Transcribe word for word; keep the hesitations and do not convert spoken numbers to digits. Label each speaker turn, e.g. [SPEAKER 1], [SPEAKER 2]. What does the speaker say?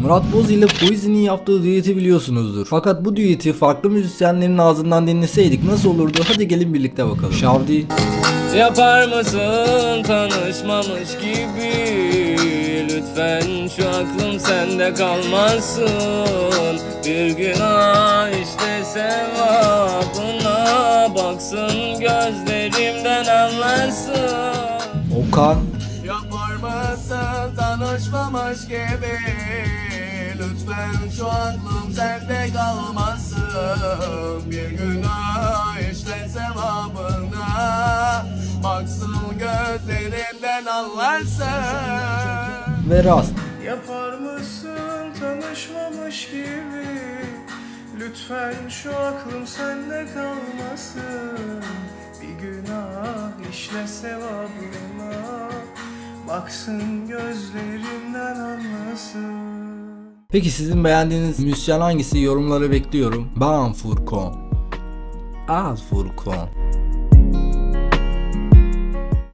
[SPEAKER 1] Murat Boz ile Poiso'nun yaptığı düeti biliyorsunuzdur. Fakat bu düeti farklı müzisyenlerin ağzından dinleseydik nasıl olurdu? Hadi gelin birlikte bakalım. Şavdi.
[SPEAKER 2] Yapar mısın tanışmamış gibi? Lütfen şu aklım sende kalmasın. Bir günah işte sevabına baksın, gözlerimden anlarsın.
[SPEAKER 1] Okan.
[SPEAKER 3] Yapar mısın tanışmamış gibi? Lütfen şu aklım sende kalmasın. Bir günah işte sevabına baksın, gözlerimden anlarsın.
[SPEAKER 1] Ve Rast.
[SPEAKER 4] Yapar mısın tanışmamış gibi? Lütfen şu aklım sende kalmasın. Bir günah işle sevabına baksın, gözlerimden anlasın.
[SPEAKER 1] Peki sizin beğendiğiniz müzisyen hangisi? Yorumlara bekliyorum. Ben Furkan. Al Furkan.